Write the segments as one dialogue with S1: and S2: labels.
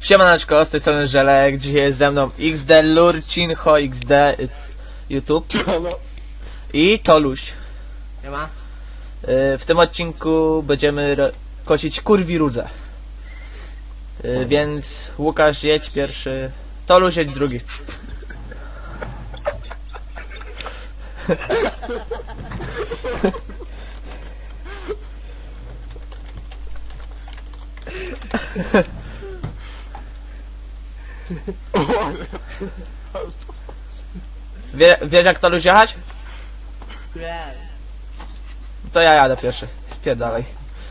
S1: Siemaneczko, z tej strony Żelek, dzisiaj jest ze mną XD Lurcinho XD YouTube i Toluś.
S2: Siema.
S1: W tym odcinku będziemy kosić kurwi rudzę. Więc Łukasz jedź pierwszy, Toluś jedź drugi. Wiesz jak Toluś jechać?
S2: Nie.
S1: To ja jadę pierwszy, spierdalaj.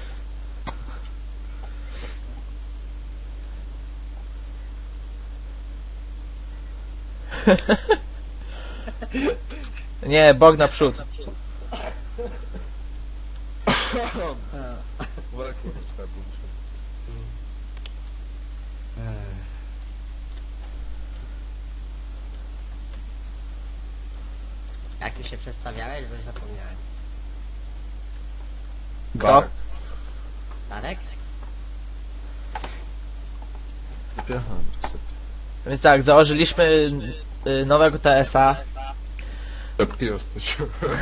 S1: Nie, bok naprzód.
S2: Jak ty się przedstawiałeś, bo już zapomniałem.
S1: Kto?
S2: Darek?
S1: Więc tak, założyliśmy nowego TS-a.
S3: Lepki jesteś.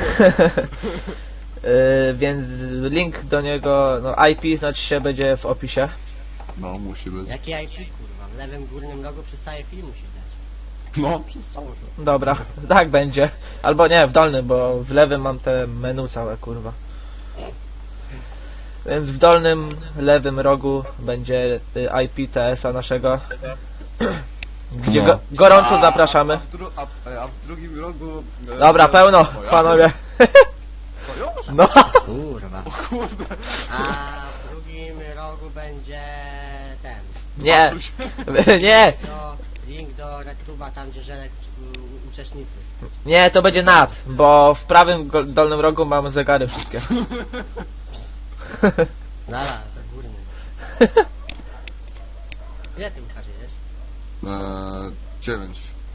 S1: Więc link do niego, no IP znaczy się będzie w opisie.
S3: No, musi być.
S2: Jaki IP, kurwa? W lewym górnym rogu przez cały film musi dać.
S3: No, przestało się.
S1: Dobra, tak będzie. Albo nie, w dolnym, bo w lewym mam te menu całe, kurwa. Więc w dolnym, lewym rogu będzie IP TS-a naszego. Gdzie
S3: No.
S1: gorąco zapraszamy.
S3: A w drugim rogu...
S1: Dobra, pełno,
S3: Twoja?
S1: panowie.
S3: Twoja?
S1: No,
S2: Kurwa.
S3: Kurde.
S2: A w drugim rogu będzie ten.
S1: nie,
S3: Patrzył się.
S1: nie,
S2: Link do RedTube'a, tam gdzie Żelek uczestnicy.
S1: nie, to będzie nad, bo w prawym dolnym rogu mamy zegary wszystkie.
S2: Dobra, to górny. Ile ty Łukasz jedziesz?
S3: 9.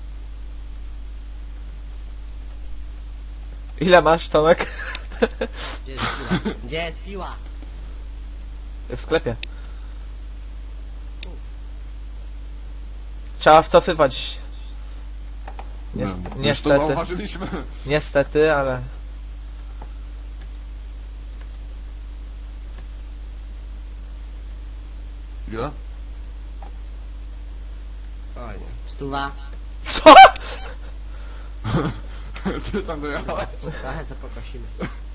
S1: Ile masz, Tomek?
S2: Gdzie jest piła? Gdzie jest piła?
S1: W sklepie. Trzeba wcofywać.
S3: Już to
S1: Niestety,
S3: zauważyliśmy.
S1: niestety, ale...
S3: Ile?
S2: Fajnie. Stuwa.
S1: Co?
S3: Ty tam dojechałeś?
S2: Trochę co pokosimy.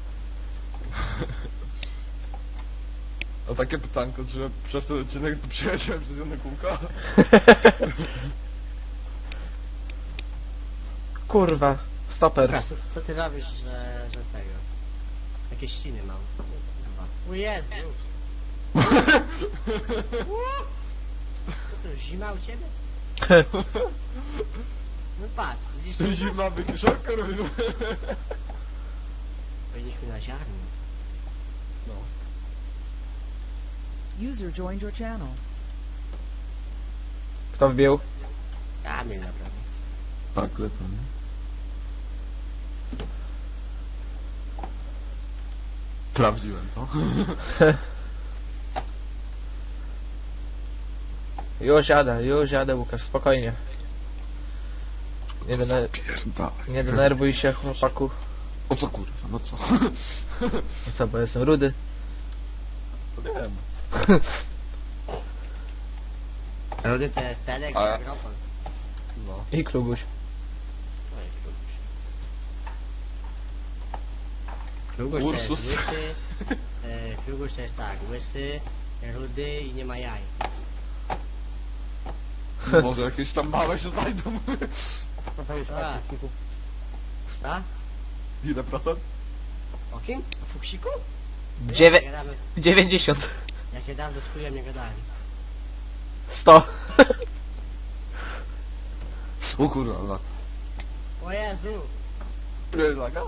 S3: A takie pytanko, że przez ten odcinek to przyjechałem przez jedno kółko?
S1: Kurwa, stoper.
S2: Łukasz, co ty robisz, że tego? Jakieś ściny mam. Kurwa. O Jezu! Co to, zima u ciebie? No patrz, widzisz?
S3: Zimna wykiszonka robimy.
S2: Powinniśmy na ziarno.
S3: No.
S4: User joined your channel.
S1: Kto wbił?
S2: Kamil naprawdę.
S3: Tak, lepiej. Sprawdziłem to.
S1: Już jadę Łukasz, spokojnie.
S3: Pierdalaj.
S1: Nie denerwuj się, chłopaku.
S3: O co kurwa, no co?
S1: No co, bo jestem rudy.
S3: To wiem.
S2: Rudy to jest Tedek,
S3: A-
S2: Agropol.
S3: No.
S1: I Klubuś.
S2: Oj, Klubuś. Klubuś to jest
S3: Ursus.
S2: łysy. Klubuś to jest tak, łysy, rudy i nie ma jaj.
S3: Może jakieś tam małe się znajdą.
S2: Tak. Tak?
S3: Ile procent?
S2: O kim? O fuksiku?
S1: Dziewię-
S2: Ja dawno,
S1: 90.
S2: ja się dawno z chujem nie gadałem.
S1: 100.
S3: O kurwa, lak.
S2: O Jezu!
S3: Ile laga?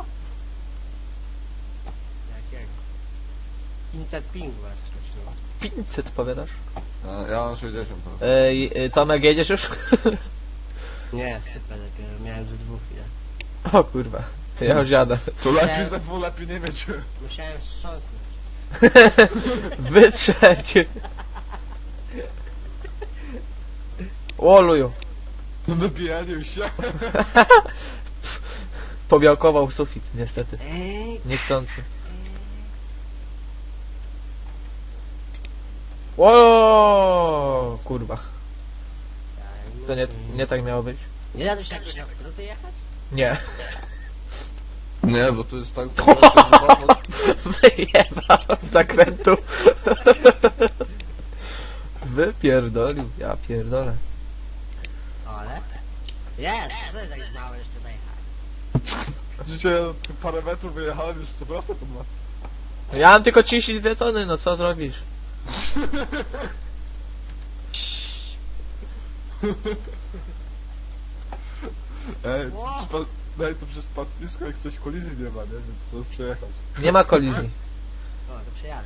S2: Jakiego? 500 pingu was skoczyło.
S1: 500 powiadasz?
S3: Ja mam 60 teraz.
S1: Tomek, jedziesz już?
S2: Nie, super, dopiero miałem ze dwóch chwilę.
S1: O kurwa, ja już jadę.
S3: To lepiej ze dwóch, lepiej nie mieć.
S2: Musiałem wstrząsnąć.
S1: Wytrzeć. O luju.
S3: No nabijają się.
S1: Pobiałkował sufit, niestety.
S2: Ej,
S1: Niechcący. O, kurwa. To nie tak miało być?
S2: Nie da się jakieś na skróty jechać?
S1: Nie.
S3: Nie, bo to jest tak, że chyba...
S1: Wyjebał z zakrętu. Wypierdolił, ja pierdolę.
S2: Ale? Jest, to jest tak mało jeszcze dojechać.
S3: Dzisiaj parę metrów wyjechałem, już 100% to ma.
S1: Ja mam tylko 32 tony, no co zrobisz?
S3: Ej, daj to przez pastwisko, jak coś kolizji nie ma, nie? Więc chcę przejechać.
S1: Nie ma kolizji.
S2: O, to przejadę.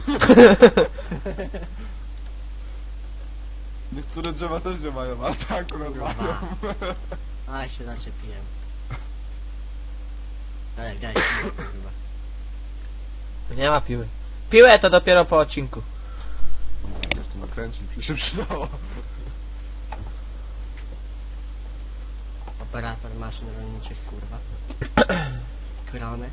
S3: Niektóre drzewa też nie mają, a tak akurat mają.
S2: A, się zaczepiłem. Ale daj, kurwa.
S1: Nie ma piły. Piłę to dopiero po odcinku.
S3: Jeszcze nakręcić, by się przydało.
S2: Operator maszyn rolniczych, kurwa. Krony.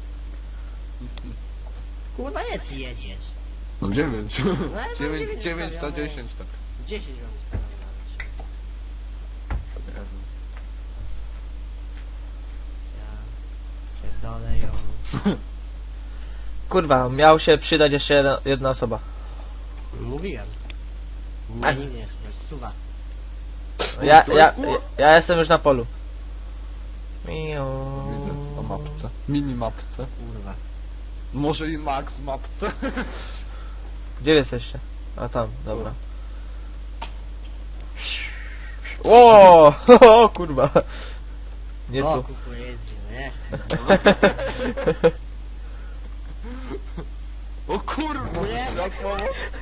S2: Kurwa, nie ty jedziesz.
S3: No 9.
S2: No, ale tam
S3: 9 na
S2: ustawione.
S3: 10 tak.
S2: 10 mam ustawione nawet.
S3: Nie wiem.
S2: Ja pierdolę ją.
S1: Kurwa, miał się przydać jeszcze jedna osoba.
S2: Mówiłem.
S1: Ach.
S2: Nie, nie, suwa.
S1: Ja jestem już na polu.
S3: Widzę na mapce. Mini mapce.
S2: Kurwa.
S3: Może i max mapce.
S1: Gdzie jesteście? A tam, dobra. O, o kurwa. Nie
S2: O,
S1: tu.
S2: kukurydzy, no nie?
S3: O kurwa,
S2: Nie.
S3: światło.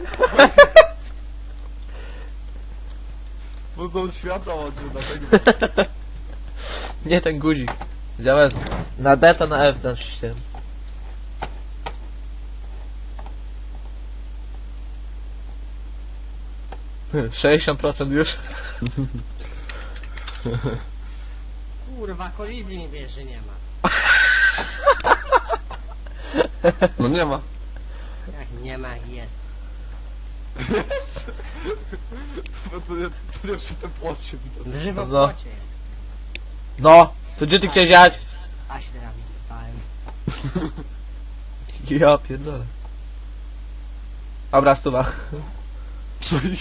S3: Bo to światła łączy na tego.
S1: Nie ten guzik. Zamiast na D to na F naciśnij. 60% już.
S2: Kurwa, kolizji mi wiesz, że nie ma.
S3: No nie ma.
S2: Jak nie ma, jak jest.
S3: Bo to nie przy tym płocie widać.
S2: Drzewo w
S1: No.
S2: płocie jest.
S1: No, to gdzie ty chciałeś jechać?
S2: A się teraz wypałem.
S1: Ja pierdolę. Dobra, stuwa.
S3: Co już?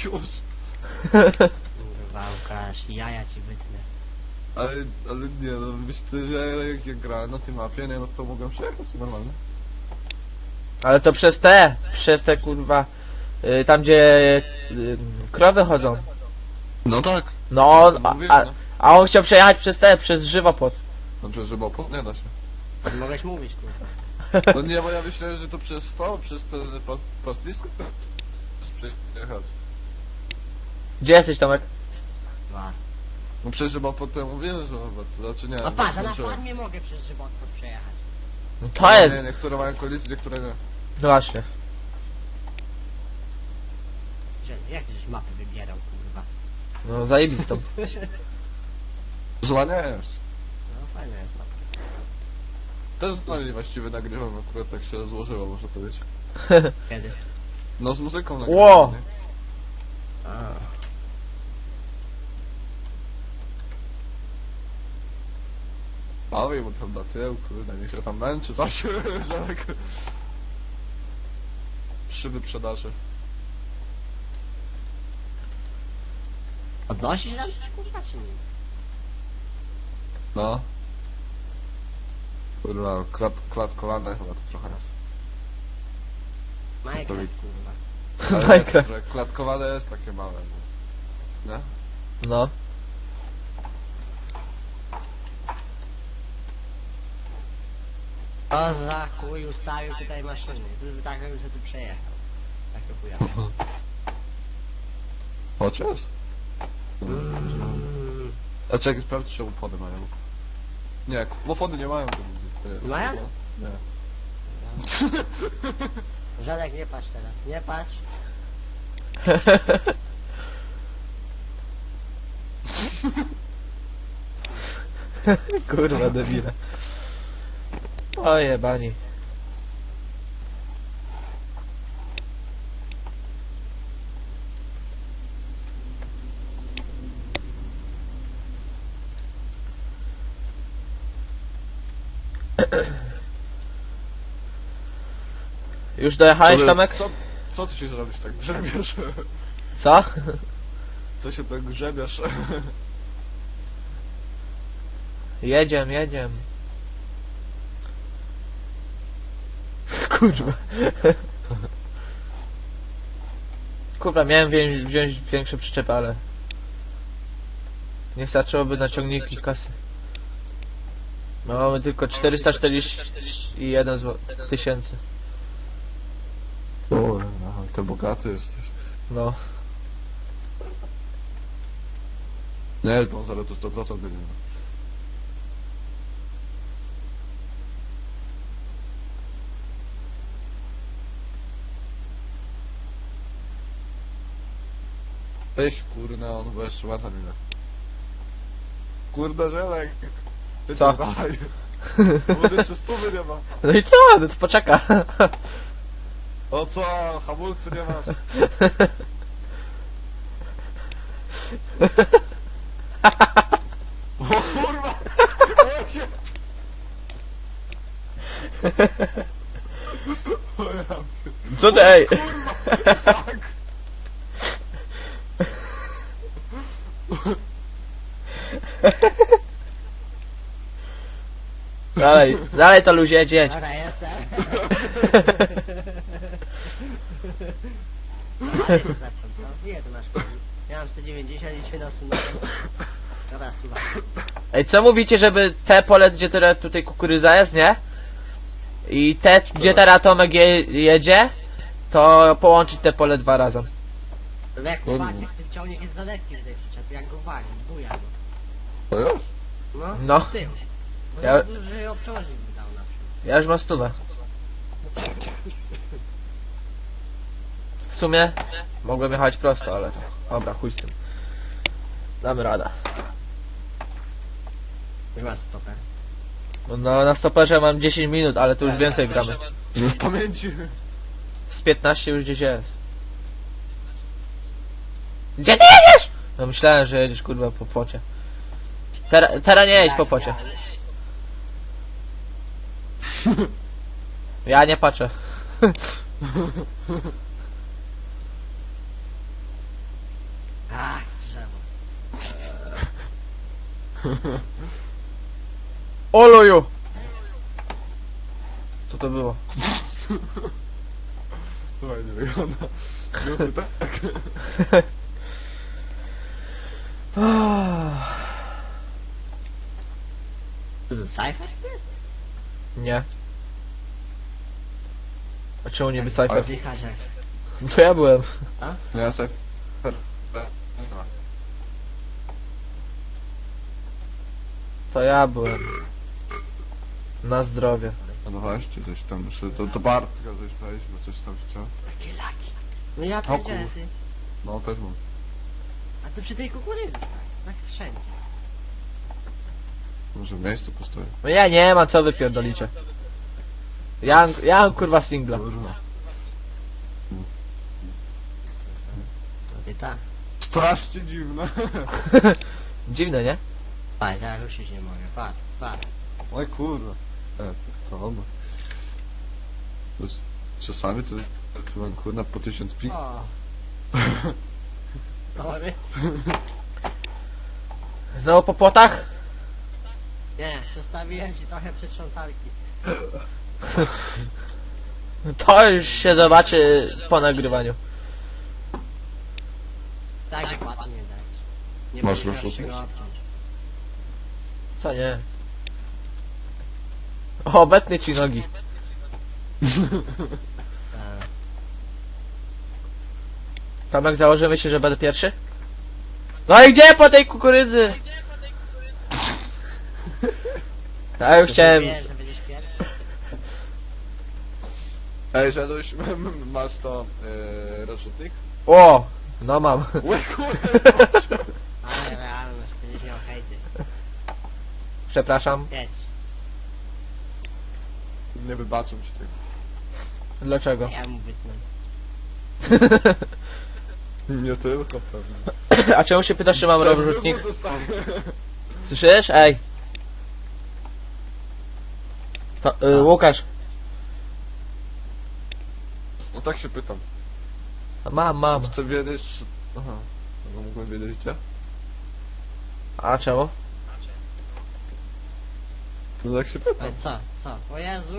S2: Kurwa, Łukasz, jaja ci wytnę.
S3: Ale nie, no myślę, że jak ja grałem na tej mapie, nie, no to mogłem przejechać normalnie.
S1: Ale to przez te kurwa, tam gdzie krowy chodzą.
S3: No tak.
S1: No,
S3: Mówię,
S1: a
S3: no.
S1: on chciał przejechać przez żywopłot.
S3: No przecież żeby opór nie da się.
S2: Mogłeś mówić, kurwa.
S3: No nie, bo ja myślałem, że to przez ten pastwisko przejechać.
S1: Gdzie jesteś, Tomek?
S2: Dwa.
S3: No przecież chyba potem mówiłem, że to znaczy nie.
S2: No patrz, a na
S3: skończyłem.
S2: farmie mogę przez żywotwór przejechać.
S1: No to jest.
S3: Nie, niektóre mają kolizję, niektóre nie.
S1: No właśnie.
S2: Że, jak żeś mapy wybierał, kurwa.
S1: No zajebistą.
S3: Zła nie jest.
S2: No fajna jest mapka.
S3: Też z nami właściwie nagrywam, akurat tak się złożyło, można powiedzieć.
S2: Kiedy?
S3: No z muzyką
S1: Ło!
S3: nagrywam, nie?
S2: A.
S3: Bawię mu tam na tył, kurde, niech się tam męczy, zawsze, Żelek. Przy wyprzedaży.
S2: Odnosi się tam coś, kurwa, czy nic?
S3: No. Kurwa, klatkowane chyba to trochę raz.
S2: Minecraft,
S3: widz.
S2: kurwa.
S3: Ale
S1: Minecraft.
S3: że klatkowane jest takie małe. Nie?
S1: No.
S2: O za chuj ustawił tutaj maszyny. Tu tak bym sobie tu przejechał. Tak to chuja.
S3: Chociaż? A czekaj, sprawdź, czy opony mają. Nie, opony nie mają kolizji.
S2: Mają?
S3: Nie.
S2: Żadek, nie patrz teraz, nie patrz.
S1: Kurwa debile. Oje bani. Już dojechałeś, Tomek?
S3: Co ty się zrobisz tak grzebiesz?
S1: Co?
S3: Co się tak grzebiesz?
S1: Jedziemy. Kurwa. Kurwa, miałem wziąć większe przyczepy, ale... Nie starczyłoby na ciągniki kasy. No, mamy tylko 441 tysięcy.
S3: O, ty bogaty jesteś.
S1: No.
S3: Nie, bo on zaraz to 100% będzie. Weź kurna, on chyba jeszcze łata minę. Kurde, żelek! Ty
S1: Co?
S3: to daj. Bo jeszcze 100 nie ma.
S1: No i co? No to poczeka.
S3: O co? Hamulcy nie masz. O kurwa! O się... O ja...
S1: Co ty, ej?
S3: Tak!
S1: Dalej to luzie, jedź.
S2: Dobra, jestem. Ale to zaczął, co? Ile tu masz koni? Ja mam 190 i cię nasunąłem. Dobra, słuchaj.
S1: Ej, co mówicie, żeby te pole, gdzie teraz tutaj kukurydza jest, nie? I te, gdzie teraz Tomek jedzie, to połączyć te pole 2 razy.
S2: No jak uważcie, ten ciągnik jest za lekki w tej przyczepie, jak go wali, buja go.
S3: To już?
S2: No,
S1: No.
S2: w tył. Bo
S1: Ja-
S2: ja... duży obciążnik by dał na przykład.
S1: Ja już mam 100. W sumie mogłem jechać prosto, ale dobra, chuj z tym. Damy radę.
S2: Już masz stoper.
S1: No na stoperze mam 10 minut, ale tu już więcej gramy.
S3: Już w pamięci.
S1: Z 15 już gdzieś jest. Gdzie ty jedziesz? No myślałem, że jedziesz kurwa po płocie. Teraz nie jedź po płocie. Ja nie patrzę.
S2: Ach, drzewo.
S1: Oloju! Co to było?
S3: Słuchaj, nie wygląda. Grupy tak.
S2: Co to, Cypher jest?
S1: Nie. A czemu nie Cypher?
S2: Oddychać jak...
S1: To ja byłem.
S3: Nie, ja sobie...
S1: To ja byłem. Na zdrowie.
S3: No właśnie, coś tam jeszcze... To Bartka coś powiedzieć, bo coś tam chciał.
S2: Jakie laki. No ja
S3: O
S2: pierdzielę,
S3: kur-
S2: ty.
S3: No, też mam.
S2: A to przy tej kukurydzy, tak wszędzie.
S3: Może w miejscu postoję.
S1: No ja nie ma co wypierdolicie. Ja mam kurwa singla.
S3: Kurwa.
S2: I tak.
S3: Strasznie dziwne.
S1: Dziwne, nie?
S2: Patrz, ja ruszyć nie mogę, patrz.
S3: Oj kurwa. Co on? Czasami to mam kurna po 1000 pik.
S2: O. Sorry.
S1: Znowu po płotach?
S2: Nie, przestawiłem ci trochę przetrząsalki.
S1: To już się zobaczy po nagrywaniu.
S2: Tak ładnie dać. Nie
S3: Masz
S2: będziesz miał
S3: rozrzutnik?
S2: czego obciąć.
S1: Co nie? O, obetnę ci nogi.
S2: Tak.
S1: Tomek, założymy się, że będę pierwszy? No i gdzie po tej kukurydzy? Ja już chciałem...
S2: Wiesz, że będziesz pierwszy?
S3: Ej, Żeduś, masz to rozrzutnik?
S1: O! No mam.
S3: Oj kurwa.
S2: Ale realność,
S1: Przepraszam.
S2: Jedź.
S3: Nie wybaczą ci tego.
S1: Dlaczego?
S2: Ja mu wytnę.
S3: Nie tylko pewnie.
S1: A czemu się pytasz, czy mam
S3: To jest
S1: rozrzutnik?
S3: wybór zostanie.
S1: Słyszysz? Ej. To, Łukasz.
S3: No tak się pytam.
S1: Mam.
S3: Chcę wiedzieć... Aha. No mógłbym wiedzieć gdzie?
S1: A czemu?
S3: No tak się pytam.
S2: Ale co? Co? O Jezu!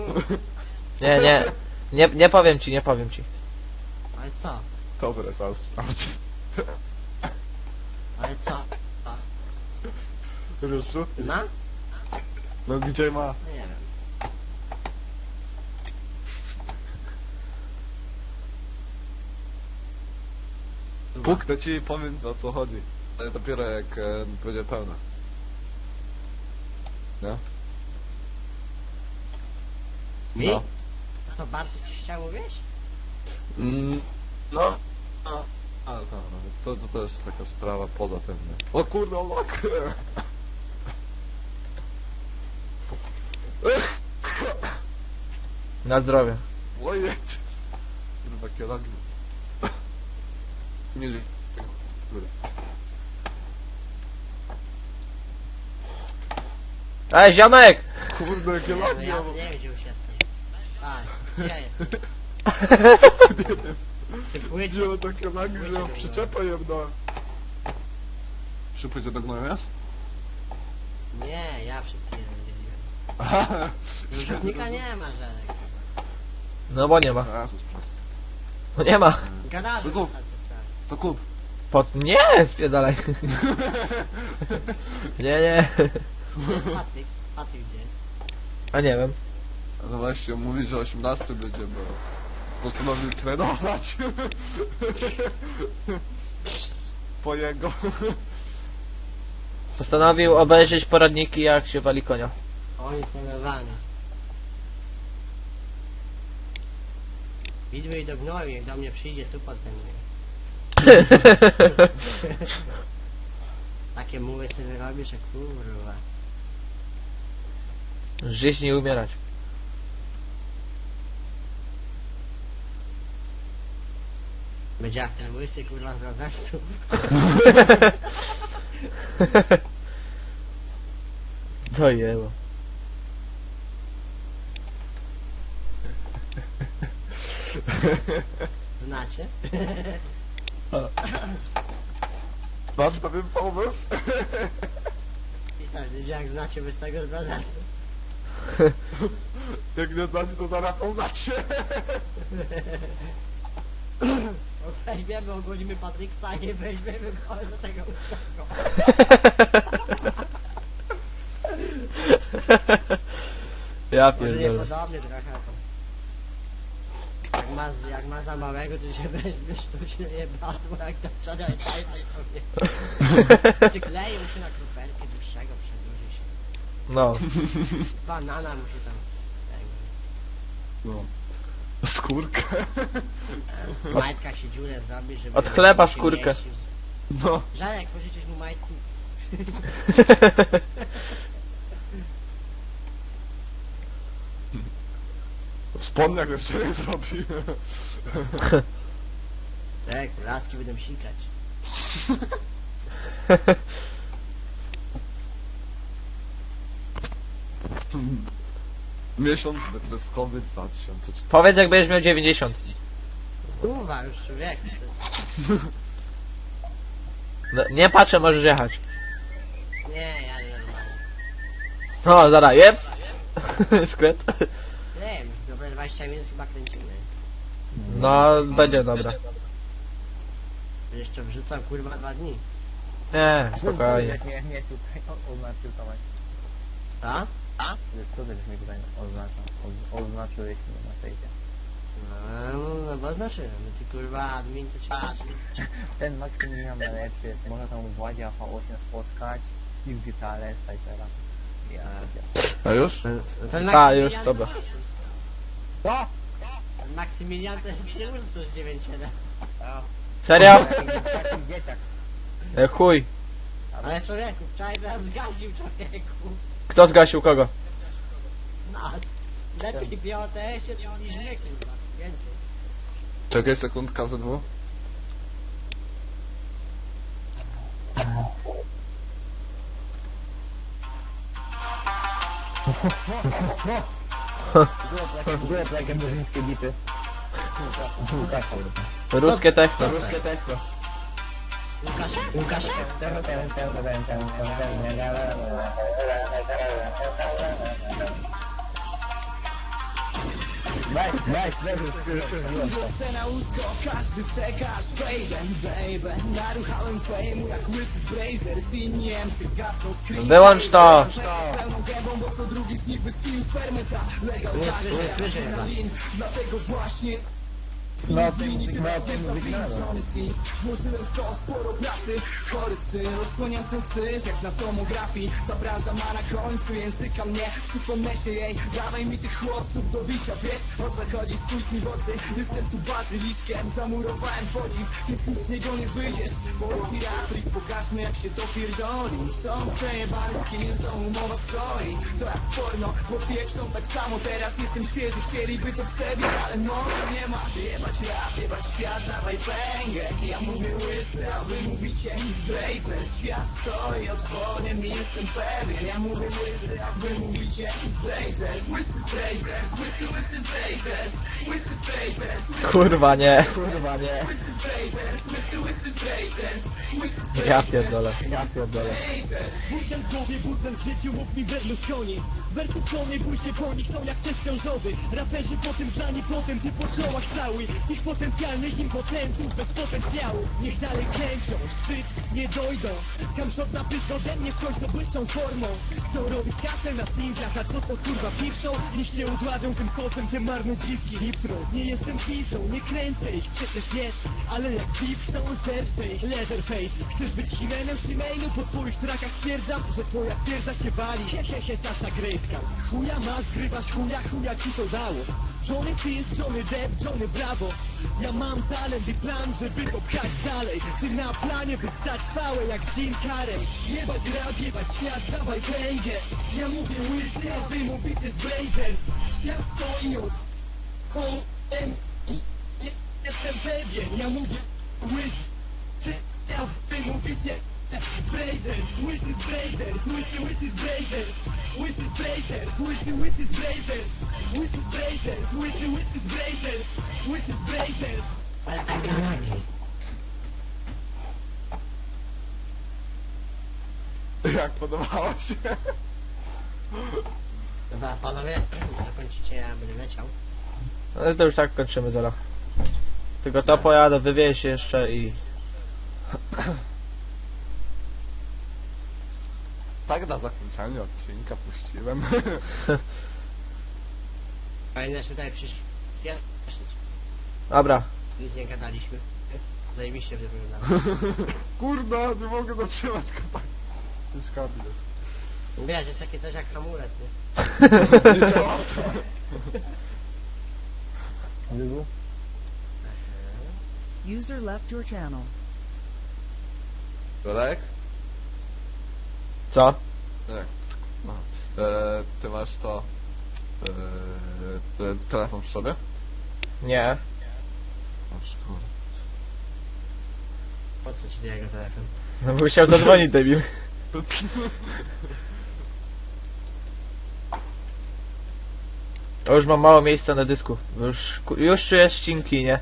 S1: Nie powiem ci, nie powiem ci.
S2: Ale co?
S3: Dobre, zaraz sprawdzę.
S2: Ale co? Co?
S3: Wiesz co?
S2: Ma?
S3: No gdzie ma?
S2: No nie wiem.
S3: Puknę ci i powiem o co chodzi. Ale dopiero jak będzie pełna. Nie?
S2: Mi?
S3: No.
S2: A co, bardzo ci chciał mówić?
S3: No. To jest taka sprawa poza tym. Nie? O kurde, o lok!
S1: Na zdrowie.
S3: Ojej! Kurwa, kielagi. Nie żyj.
S1: Ej, ziomek!
S3: Kurde,
S2: Nie, no
S3: kielagi!
S2: ja nie wiem, gdzie już jesteś. A, gdzie ja jestem? Ty płycie.
S3: Gdzie mam takie lagi, że ja przyczepę jebnąłem? Szybko cię do gnoju jest?
S2: Nie, ja przed chwilą dzieliłem.
S3: Aha!
S2: Rzutnika nie ma żadnego.
S1: No bo nie ma.
S3: Jezus, sprawdź.
S1: No nie ma.
S2: Gadarzy
S3: Co to?
S2: ostatnio sprawy.
S3: To kup.
S1: Nie, spierdalaj. Nie.
S2: Patryk, Patryk gdzie?
S1: A nie wiem.
S3: No właśnie, on mówi, że 18 będzie, bo postanowił trenować. Po jego.
S1: Postanowił obejrzeć poradniki, jak się wali konia.
S2: Oni trenowani. Widły i do gnoju, jak do mnie przyjdzie, tu potrenuje. Takie muły sobie robisz, że kurwa.
S1: Żyć nie umierać.
S2: Będzie jak ten łysy kurwa z rozeszczu.
S1: To jebo.
S2: Znacie?
S3: Mam pewien pomysł.
S2: Pisać, ludzie jak znacie łysego z rozeszczu.
S3: Jak nie znacie, to zaraz poznacie.
S2: Weźmiemy, ogólimy Patryksa i weźmiemy go za tego łysego.
S1: Ja
S2: Może nie
S1: pierdolę.
S2: podobnie trochę. Jak ma za małego, to się weźmie sztucznie jebadło, jak to wczoraj tajtaj sobie. Przykleję mu się na kruperkę dłuższego, przedłuży się.
S1: No.
S2: Banana musi tam...
S3: No. Skórkę.
S2: W majtkach się dziurę zrobi, żeby...
S1: Odklepa
S2: się
S1: skórkę.
S2: mieścił.
S3: No.
S2: Żarek, pożyczysz mu majtki.
S3: Spodniak jeszcze nie zrobi.
S2: Tak, laski będą sikać.
S3: Miesiąc wytryskowy 2004.
S1: Powiedz, jak będziesz miał 90.
S2: Kurwa, już człowiek.
S1: No, nie patrzę, możesz jechać.
S2: Nie, ja nie normalnie.
S1: No, zaraz, jeb. Skręt.
S2: Nie wiem, dobre 20 minut chyba kręcimy.
S1: No, będzie dobra.
S2: Jeszcze wrzucam kurwa 2 dni.
S1: Nie, spokojnie.
S4: Nie tutaj oznaczył Tomek.
S2: Co?
S4: Co ty mi tutaj oznaczyłeś mnie na fejsie?
S2: No bo znaczyłem, ty kurwa admin to ci patrzy.
S4: Ten Maksymilian najlepszy jest, można tam w Ładzie AV8 spotkać i w gitale Cypera. Ja
S3: A już?
S2: Ten
S1: A, już, dobra.
S4: Co?
S2: Ten Maksymilian to jest nie Ursus 97.
S1: Serio?
S4: Taki dzieciak.
S1: Chuj.
S2: Ale człowieku, wczoraj nas zgaził człowieku.
S1: Kto zgasił kogo?
S2: Nas. Lepiej biotę się niż nie, kurwa. Więcej.
S3: Czekaj sekundka ze dwóch.
S4: Były takie murzyńskie bity. Tak, kurwa.
S1: Ruskie techno.
S2: Łukasz,
S5: Scena usko, każdy czeka Shaden, baby. Naruchałem fejmu jak łysy z Brazers. I Niemcy gasną screen.
S1: Wyłącz to!
S5: Pełną gębą, bo co drugi z nich bez kill spermy. Ta legal każe,
S2: nie słyszę chyba.
S5: adrenalin. Dlatego właśnie włożyłem w to sporo pracy. Chory styl, odsłaniam ten syf jak na tomografii. Ta branża ma na końcu języka mnie. Przypomnę się jej, dawaj mi tych chłopców do bicia. Wiesz o co chodzi, spójrz mi w oczy. Jestem tu bazyliszkiem, zamurowałem podziw. Więc nic z niego nie wyjdziesz. Polski raprik, pokażmy jak się to pierdoli. Są przejebany skill, to umowa stoi. To jak porno, bo pieprzą tak samo. Teraz jestem świeży, chcieliby to przebić, ale no nie ma. Jebać rap, jebać świat, dawaj pęgę. Ja mówię łysy, a wy mówicie z Brazers. Świat stoi otworem i jestem pewien. Ja mówię łysy, a wy mówicie z Brazers. Łysy z Brazers, łysy z Brazers. Łysy z Brazers,
S1: Kurwa nie.
S5: łysy z Brazers. Łysy z Brazers. Łysy z
S1: Ja pierdolę.
S5: Burdel w głowie, burdel w życiu, mów mi Berlusconi. Wersów są, nie bój się po nich, są jak test ciążowy. Raperzy potem znani, potem ty po czołach cały. Tych potencjalnych impotentów bez potencjału. Niech dalej kręcą, szczyt nie dojdą. Kamshot na pysk ode mnie w końcu błyszczą formą. Chcą robić kasę na singlach, a co to kurwa pieprzą? Niech się udładzą tym sosem, te marne dziwki hiptro. Nie jestem pizdą, nie kręcę ich, przecież wiesz. Ale jak piw chcą zerżnę ich, Leatherface. Chcesz być Himenem Shimejnu? Po twoich trakach stwierdzam, że twoja twierdza się wali. Hehehe, Sasha Grejska. Chuja ma, zgrywasz chuja ci to dało. Johnny Sins, Johnny Depp, Johnny Bravo. Ja mam talent i plan, żeby to pchać dalej. Ty na planie, by ssać pałę jak Jim Carrey. Jebać rap, jebać świat, dawaj węgę. Ja mówię łysy, a wy mówicie z Brazers. Świat stoi od kołem i jestem pewien. Ja mówię łysy, a wy mówicie z Brazers. Łysy z Brazers, łysy z Brazers. Łysy z Brazers, łysy z Brazers. Łysy z Brazers, łysy z Brazers. Łysy z Brazers.
S2: ale tak gadaki.
S3: Jak podobało się?
S2: Dobra, panowie, zakończycie, ja będę leciał.
S1: Ale to już tak kończymy zaraz. Tylko to pojadę, wywieź jeszcze i...
S3: Tak na zakończenie odcinka puściłem.
S2: Fajne, że tutaj przyszli.
S1: Dobra.
S2: Nic nie gadaliśmy. Zajebiście wyglądało.
S3: Kurda, nie mogę zatrzymać kopa. To jest kabinet.
S2: Wiesz, jest takie coś jak hamulec, nie?
S4: Wybu?
S6: User left your channel.
S3: Jurek?
S1: Co?
S3: Nie. No. Ty masz to... ten telefon przy sobie?
S1: Nie.
S3: Masz, kurwa.
S2: Po co ci jego telefon?
S1: No bo chciał zadzwonić, debil. O, już mam mało miejsca na dysku. Już czuję ścinki, nie?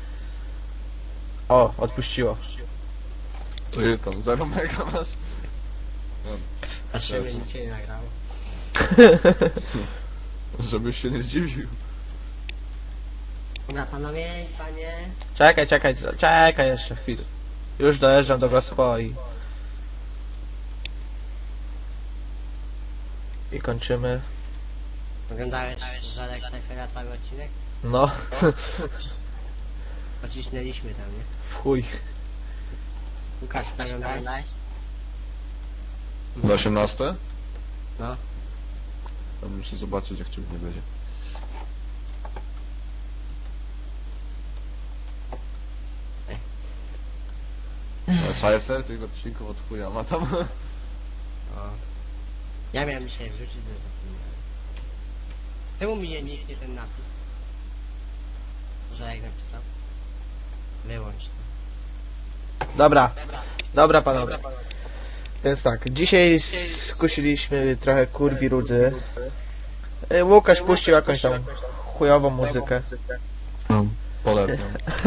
S1: O, odpuściło.
S3: To je tam 0 mega masz?
S2: Patrzymy, nic się nie nagrało.
S3: Żebyś się nie zdziwił.
S2: Dobra, panowie, panie.
S1: Czekaj jeszcze chwilę. Już dojeżdżam do Gospo i kończymy.
S2: Oglądałeś Żadek Cyphera cały odcinek?
S1: No,
S2: Pocisnęliśmy tam, nie?
S1: w chuj.
S2: Łukasz, ty oglądałeś?
S3: Na 18?
S2: No.
S3: Ja muszę zobaczyć jak ciebie nie będzie. Cypher tych odcinków od chuja ma tam.
S2: Ja miałem dzisiaj wrzucić, że zapomniałem. Czemu mi nie niknie ten napis? Że jak napisał? Wyłącz to.
S1: Dobra panowie. Więc tak, dzisiaj skusiliśmy trochę kurwi rudzy. Łukasz puścił jakąś tam chujową muzykę.
S3: No, polecam.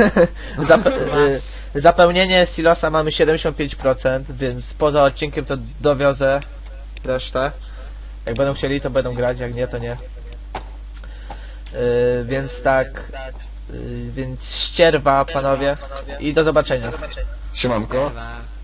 S1: Zapełnienie silosa mamy 75%, więc poza odcinkiem to dowiozę resztę. Jak będą chcieli, to będą grać, jak nie, to nie. Więc tak, więc ścierwa panowie i do zobaczenia.
S3: Siemanko.
S2: Chyba.